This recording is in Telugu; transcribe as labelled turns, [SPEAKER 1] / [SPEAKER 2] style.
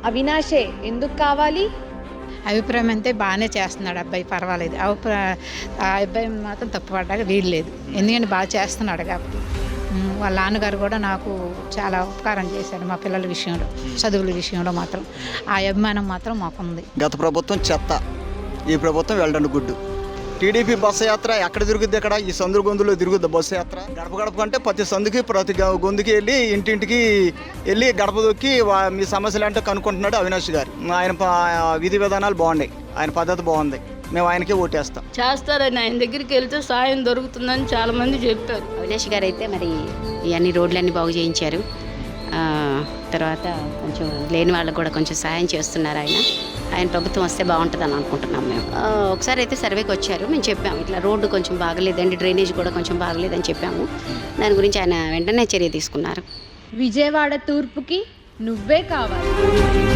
[SPEAKER 1] అవినాషే ఎందుకు కావాలి?
[SPEAKER 2] అభిప్రాయం అంతే బాగానే చేస్తున్నాడు అబ్బాయి, పర్వాలేదు. ఆ అబ్బాయి మాత్రం తప్పుపడ్డాక వీల్లేదు, ఎందుకంటే బాగా చేస్తున్నాడు కాబట్టి. వాళ్ళ నాన్నగారు కూడా నాకు చాలా ఉపకారం చేశాడు మా పిల్లల విషయంలో, చదువుల విషయంలో మాత్రం ఆ అభిమానం మాత్రం మాకుంది.
[SPEAKER 3] గత ప్రభుత్వం చెత్త, ఈ ప్రభుత్వం వెళ్ళండి గుడ్డు. టీడీపీ బస్సు యాత్ర ఎక్కడ తిరుగుద్ది? ఇక్కడ ఈ సందులు గొంతులో తిరుగుద్ది బస్సు యాత్ర. గడప గడప కంటే ప్రతి సందుకి ప్రతి గొంతుకి వెళ్ళి ఇంటింటికి వెళ్ళి గడప దొక్కి మీ సమస్యలు అంటే కనుక్కుంటున్నాడు అవినాష్ గారు. ఆయన విధి విధానాలు బాగున్నాయి, ఆయన పద్ధతి బాగుంది, మేము ఆయనకే ఓటేస్తాం.
[SPEAKER 4] చేస్తారని ఆయన దగ్గరికి వెళ్తే సాయం దొరుకుతుందని చాలా మంది చెప్పారు.
[SPEAKER 5] అవినాష్ గారు అయితే మరి ఇవన్నీ రోడ్లన్నీ బాగు చేయించారు. తర్వాత కొంచెం లేని వాళ్ళకు కూడా కొంచెం సాయం చేస్తున్నారు. ఆయన ప్రభుత్వం వస్తే బాగుంటుందని అనుకుంటున్నాం మేము. ఒకసారి అయితే సర్వేకి వచ్చారు, మేము చెప్పాము ఇట్లా రోడ్డు కొంచెం బాగలేదండి, డ్రైనేజ్ కూడా కొంచెం బాగలేదని చెప్పాము. దాని గురించి ఆయన వెంటనే చర్య తీసుకున్నారు.
[SPEAKER 1] విజయవాడ తూర్పుకి నువ్వే కావాలి.